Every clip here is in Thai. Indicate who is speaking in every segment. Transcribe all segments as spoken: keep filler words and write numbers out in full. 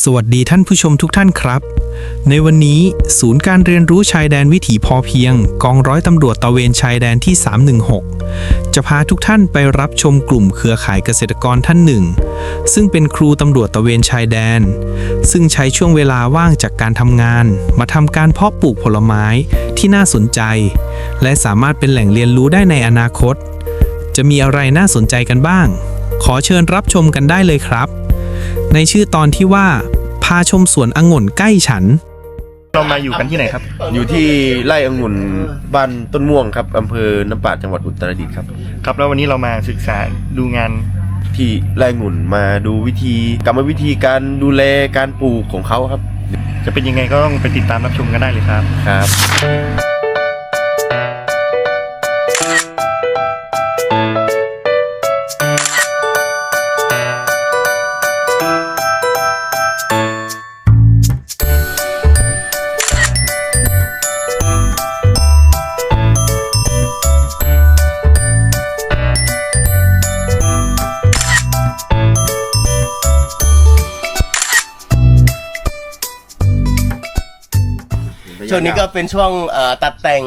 Speaker 1: วัสดีท่านผู้ชมทุกท่านครับในวันนี้ศูนย์การเรียนรู้ชายแดนวิถีพอเพียงกองร้อยตำรวจตระเวนชายแดนที่สามหนึ่งหกจะพาทุกท่านไปรับชมกลุ่มเครือข่ายเกษตรกรท่านหนึ่งซึ่งเป็นครูตำรวจตระเวนชายแดนซึ่งใช้ช่วงเวลาว่างจากการทำงานมาทำการเพาะปลูกผลไม้ที่น่าสนใจและสามารถเป็นแหล่งเรียนรู้ได้ในอนาคตจะมีอะไรน่าสนใจกันบ้างขอเชิญรับชมกันได้เลยครับในชื่อตอนที่ว่าพาชมสวนองุ่นใกล้ฉัน
Speaker 2: เรามาอยู่กันที่ไหนครับ
Speaker 3: อยู่ที่ไร่องุ่นบ้านต้นม่วงครับอำเภอน้ำปาดจังหวัดอุตรดิตถ์ครับ
Speaker 2: ครับแล้ววันนี้เรามาศึกษาดูงาน
Speaker 3: ที่ไร่องุ่นมาดูวิธีกรรมวิธีการดูแลการปลูกของเขาครับ
Speaker 2: จะเป็นยังไงก็ต้องไปติดตามรับชมกันได้เลยครับ
Speaker 3: ครับ
Speaker 4: ช่วงนี้ก็เป็นช่วงตัดแต่ง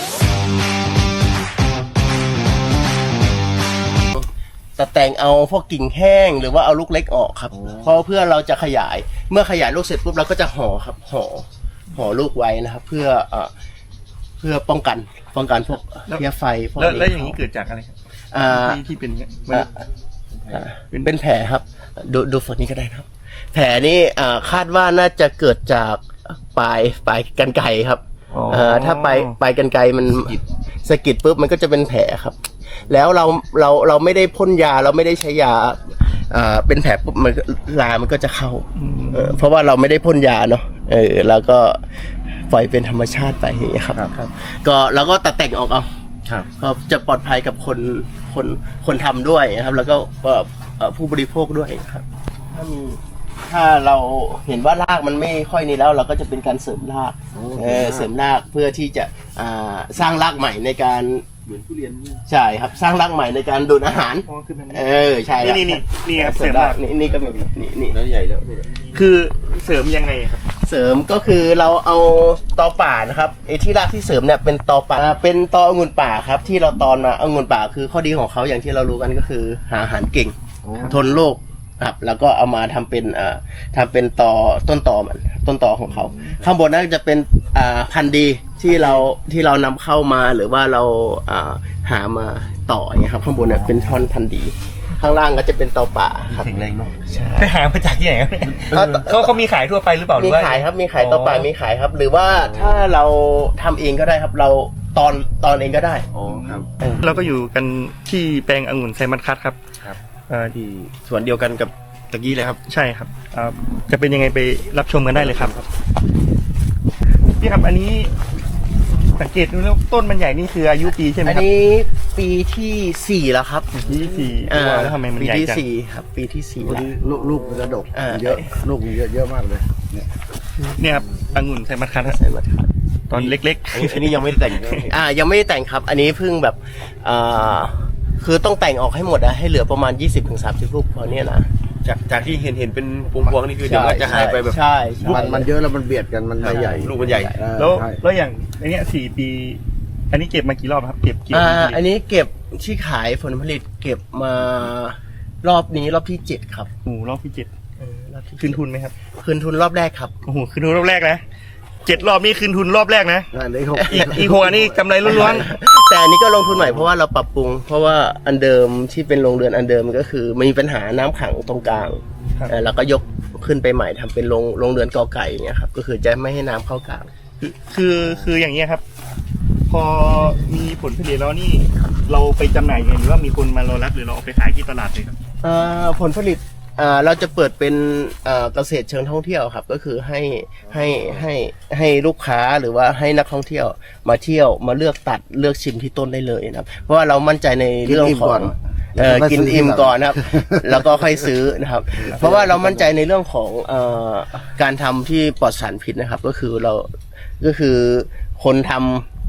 Speaker 4: ตัดแต่งเอาพวกกิ่งแห้งหรือว่าเอาลูกเล็กออกครับเพราะเพื่อเราจะขยายเมื่อขยายลูกเสร็จปุ๊บเราก็จะห่อครับห่อห่อลูกไว้นะครับเพื่อเพื่อป้องกันป้องกันพวกเพี้ยไฟพวกนี้
Speaker 2: แล้วอย่างนี้เกิดจากอะไรครับที่ที่เป็น
Speaker 4: เป็นแผลครับดูดูฝั่งนี้ก็ได้ครับแผลนี้คาดว่าน่าจะเกิดจากปลายปลายกรรไกรครับถ้าปลายปลายกรรไกรมันสะกิดปุ๊บมันก็จะเป็นแผลครับแล้วเราเราเราไม่ได้พ่นยาเราไม่ได้ใช้ยาเป็นแผลปุ๊บมันลามันก็จะเข้าเพราะว่าเราไม่ได้พ่นยาเนาะเออแล้วก็ปล่อยเป็นธรรมชาติไปอย่างเงี้ยครับก็เราก็ตัดแต่งออกเอาก็จะปลอดภัยกับคนคนคนทำด้วยนะครับแล้วก็ผู้บริโภคด้วยครับถ้ามีถ้าเราเห็นว่ารากมันไม่ค่อยนี้แล้วเราก็จะเป็นการเสริมรากเออเสริมรากเพื่อที่จะสร้างรากใหม่ในการเหมือนทุเรียนใช่ครับสร้างรากใหม่ในการดูดอาหารเออใช่ครับ
Speaker 2: นี่นี่นี่ครับเสริมราก
Speaker 4: นี่นี่ก็มีนี่นี่
Speaker 3: แล้วใหญ่แล้ว
Speaker 2: คือเสริมยังไงครับ
Speaker 4: เสริมก็คือเราเอาตอป่านะครับไอ้ที่รากที่เสริมเนี่ยเป็นตอป่าเป็นตอองุ่นป่าครับที่เราตอนมาองุ่นป่าคือข้อดีของเขาอย่างที่เรารู้กันก็คือหาอาหารเก่งทนโรคครับแล้วก็เอามาทำเป็นอ่าทำเป็นตอต้นตอมันต้นตอของเขาข้างบนนั้นจะเป็นอ่าพันธุ์ดีที่เราที่เรานำเข้ามาหรือว่าเราอ่าหามาต่ออย่างเงี้ยครับข้างบนเนี่ยเป็นท่อนพันธุ์ดีข้างล่างก็จะเป็นตอป่าครับ
Speaker 3: แข็งแรงเนาะ
Speaker 4: ใช่
Speaker 2: ไปหามาจากที่ไหนครับเขาเขามีขายทั่วไปหรือเปล่า
Speaker 4: มีขายครับมีขายตอป่ามีขายครับหรือว่าถ้าเราทำเองก็ได้ครับเราตอนตอนเองก็ได้
Speaker 3: อ๋อครับ
Speaker 2: เราก็อยู่กันที่แปลงองุ่นไซมัสคัทครับ
Speaker 3: ครับที่สวนเดียวกันกับตะกี้เลยครับ
Speaker 2: ใช่ครับจะเป็นยังไงไปรับชมกันได้เลยครับพี่ครับอันนี้สังเกตดูแล้วต้นมันใหญ่นี่คืออายุปีใช่ไหมครับ
Speaker 4: อันนี้ปีที่สี่แล้วครับ
Speaker 2: ปีที่สี่แล้วทำไมมันใหญ่จัง
Speaker 4: ปีที่สี่ครับปีที่สี่แล้ว
Speaker 3: ลูกลูกมันจะดกเยอะลูกมันเยอะเยอะมากเลย
Speaker 2: เนี่ยเนี่ยครับองุ่นไซมัสคัท
Speaker 4: ไซมัสคัท
Speaker 2: ตอนเล็ก
Speaker 3: ๆอันนี้ยังไม่แต่ง
Speaker 4: อ่ายังไม่ได้แต่งครับอันนี้เพิ่งแบบอ่าคือต้องแต่งออกให้หมดอะให้เหลือประมาณ ยี่สิบถึงสามสิบ ลูกพอเนี่ยนะ
Speaker 3: จากจากที่เห็นเห็นเป็นพวงๆนี่คือเดี๋ยวจะหายไปแบบ
Speaker 4: ใช่
Speaker 3: มันมันเยอะแล้วมันเบียดกันมันใหญ่ลูกมันใหญ่
Speaker 2: แล้วแล้วอย่างอันนี้สี่ปีอันนี้เก็บมากี่รอบครับเก็บกี่
Speaker 4: อ่าอันนี้เก็บที่ขายผลผลิตเก็บมารอบนี้รอบที่เจ็ดครับ
Speaker 2: โอ้รอบที่เจ็ดคืนทุนไหมครับ
Speaker 4: คืนทุนรอบแรกครับ
Speaker 2: โอ้โหคืนทุนรอบแรกนะเจ็ดรอบนี้คืนทุนรอบแรกนะอีกอีกหัวนี่กำไรล้วน
Speaker 4: ๆแต่อันนี้ก็ลงทุนใหม่เพราะว่าเราปรับปรุงเพราะว่าอันเดิมที่เป็นโรงเรือนอันเดิมก็คือมันมีปัญหาน้ำขังตรงกลางแล้วก็ยกขึ้นไปใหม่ทำเป็นโรงโรงเรือนกอไก่อย่างเงี้ยครับก็คือจะไม่ให้น้ำเข้ากลาง
Speaker 2: คือคือคืออย่างเงี้ยครับพอมีผลผลิตแล้วนี่เราไปจำหน่ายกันหรือว่ามีคนมารอรับหรือเราเอาไปขายที่ตลาดเลยครับ
Speaker 4: ผลผลิตเราจะเปิดเป็นเกษตรเชิงท่องเที่ยวครับก็คือให้ให้ให้ให้ลูกค้าหรือว่าให้นักท่องเที่ยวมาเที่ยวมาเลือกตัดเลือกชิมที่ต้นได้เลยนะครับเพราะว่าเรามั่นใจในเรื่องของกินอิ่มก่อนนะครับแล้วก็ค่อยซื้อนะครับเพราะว่าเรามั่นใจในเรื่องของการทำที่ปลอดสารพิษนะครับก็คือเราก็คือคนทำ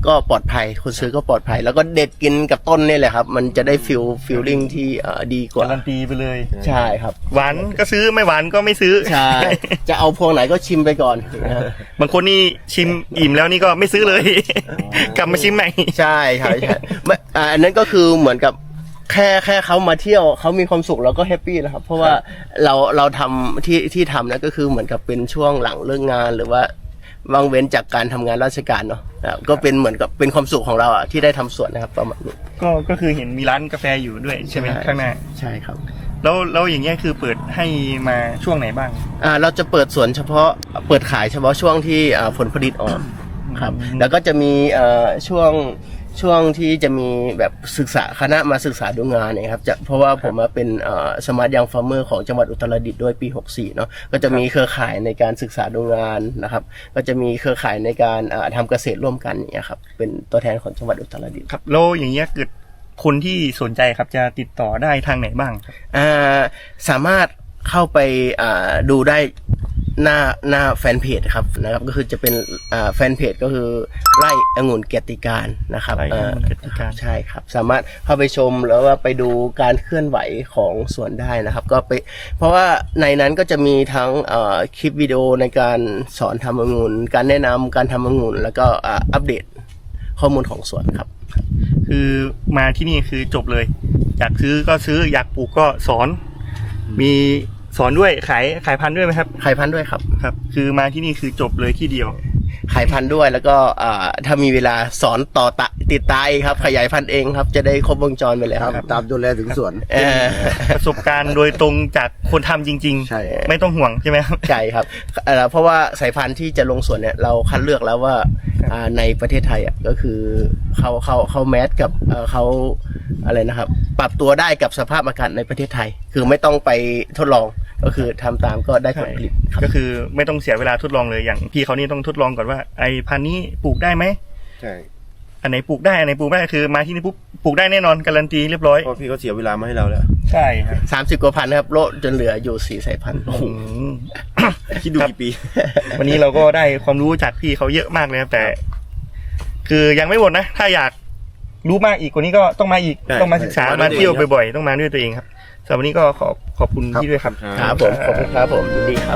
Speaker 4: ก็ปลอดภัยคนซื้อก็ปลอดภัย แล้วก็เด็ดกินกับต้นนี่แหละครับ มันจะได้ฟิลฟิลลิ่งที่เอ่อดีกว่า
Speaker 2: การันตีไปเลย
Speaker 4: ใช่ครับ
Speaker 2: หวานก็ซื้อไม่หวานก็ไม่ซื้อ
Speaker 4: ใช่ จะเอาพวงไหนก็ชิมไปก่อนนะครับ
Speaker 2: บางคนนี่ชิมอิ่มแล้วนี่ก็ไม่ซื้อเลย กลับมาชิมใหม่
Speaker 4: ใช่ใช่ใช่ไม่อ่าอันนั้นก็คือเหมือนกับแค่แค่เขามาเที่ยวเขามีความสุขเราก็แฮปปี้แล้วครับ เพราะว่าเราเราทำที่ที่ทำนะก็คือเหมือนกับเป็นช่วงหลังเลิกงานหรือว่าว่างเว้นจากการทำงานราชการเนาะนะครับก็เป็นเหมือนกับเป็นความสุขของเราอ่ะที่ได้ทำสวนนะครับประมาณนี้
Speaker 2: ก็ก็คือเห็นมีร้านกาแฟอยู่ด้วยใช่ไหมข้างหน้า
Speaker 4: ใช่ครับ
Speaker 2: แล้วแล้วอย่างเงี้ยคือเปิดให้มาช่วงไหนบ้าง
Speaker 4: อ่าเราจะเปิดสวนเฉพาะเปิดขายเฉพาะช่วงที่อ่าผลผลิตออกครับแล้วก็จะมีเอ่อช่วงช่วงที่จะมีแบบศึกษาคณะมาศึกษาดูงานเนี่ยครับจะเพราะว่าผมมาเป็นสมาร์ทยังฟาร์มเมอร์ของจังหวัดอุตรดิตถ์ด้วยปีหกสี่เนาะก็จะมีเครือข่ายในการศึกษาดูงานนะครับก็จะมีเครือข่ายในการอ่าทำเกษตรร่วมกันอย่างเงี้ยครับเป็นตัวแทนของจังหวัดอุตรดิตถ์
Speaker 2: ครับแล้วอย่างเงี้ยเกิดคนที่สนใจครับจะติดต่อได้ทางไหนบ้างครับ
Speaker 4: อ่าสามารถเข้าไปอ่าดูได้หน้าหน้าแฟนเพจครับนะครับก็คือจะเป็นอ่าแฟนเพจก็คือไร่องุ่นเกียรติการนะครับ
Speaker 2: ไร่องุ่นเกียรติการ
Speaker 4: อ่ใช่ครับสามารถเข้าไปชมแล้วว่าไปดูการเคลื่อนไหวของสวนได้นะครับก็ไปเพราะว่าในนั้นก็จะมีทั้งอ่าคลิปวิดีโอในการสอนทำองุ่นการแนะนำการทำองุ่นแล้วก็อ่าอัปเดตข้อมูลของสวนครับ
Speaker 2: คือมาที่นี่คือจบเลย อยากซื้อก็ซื้ออยากปลูกก็สอน มีสอนด้วยขายขายพันธุ์ด้วยไหมครับ
Speaker 4: ขายพันธุ์ด้วยครับ
Speaker 2: ครับ คือมาที่นี่คือจบเลยที่เดียว
Speaker 4: ขายพันธุ์ด้วยแล้วก็อ่าถ้ามีเวลาสอนต่อตะติดตายครับขยายพันธุ์เองครับจะได้ครบวงจรไปเลยครับ
Speaker 3: ตามดูแลถึงสวน
Speaker 4: เออ
Speaker 2: ประสบการณ์โดยตรงจากคนทำจริง
Speaker 3: ใช่
Speaker 2: ๆ ไม่ต้องห่วงใช่ไหมครับ
Speaker 4: ใช่ครับเอ่อเพราะว่าสายพันธุ์ที่จะลงสวนเนี่ยเราคัดเลือกแล้วว่าอ่าในประเทศไทยอ่ะก็คือเขาเขาเขาแมสกับเอ่อเขาอะไรนะครับ ปรับตัวได้กับสภาพอากาศในประเทศไทย คือไม่ต้องไปทดลองก็คือทำตามก็ได้ผลผลิตครับ
Speaker 2: ก็คือไม่ต้องเสียเวลาทดลองเลยอย่างพี่เขานี่ต้องทดลองก่อนว่าไอ้พันธุ์นี้ปลูกได้ไหม
Speaker 3: ใช่
Speaker 2: อันไหนปลูกได้อันไหนปลูกไม่ได้คือมาที่นี่ปุ๊บปลูกได้แน่นอนการันตีเรียบร้อย
Speaker 3: เพราะพี่เขาเสียเวลามาให้เราแล้ว
Speaker 2: ใช่ครับ
Speaker 4: สามสิบกว่าพันธุ์นะครับโลดจนเหลืออยู่สี่สายพันธุ์
Speaker 2: อืม
Speaker 3: คิดดู
Speaker 2: ครับ
Speaker 3: กี่ปี
Speaker 2: วันนี้เราก็ได้ความรู้จากพี่เขาเยอะมากเลยครับแต่ คือยังไม่หมดนะ ถ้าอยากรู้มากอีกกว่านี้ก็ต้องมาอีก
Speaker 3: ใช่
Speaker 2: ต้องมาศึกษา
Speaker 3: ใช่
Speaker 2: มาเที่ยว
Speaker 3: มาด้วยตัวเอง
Speaker 2: บ่อยๆ ต้องมาด้วยตัวเองครับสำหรับวันนี้ก็ขอขอบคุณพี่ด้วยครับ
Speaker 4: ครับผมขอบคุณครับผมยินดีครับ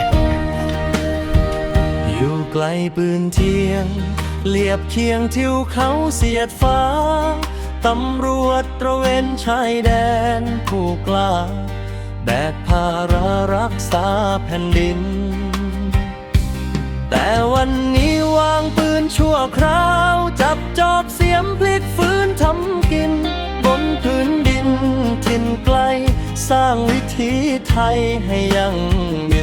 Speaker 5: อยู่ไกลปืนเทียงเลียบเคียงทิวเขาเสียดฟ้า ตำรวจตระเวนชายแดนผู้กล้า แบกภาระรักษาแผ่นดิน แต่วันนี้วางปืนชั่วคราว จับจอบเสียมพลิกฟื้นทำกิน บนพื้นดินถิ่นไกล สร้างวิถีไทยให้ยั่งยืน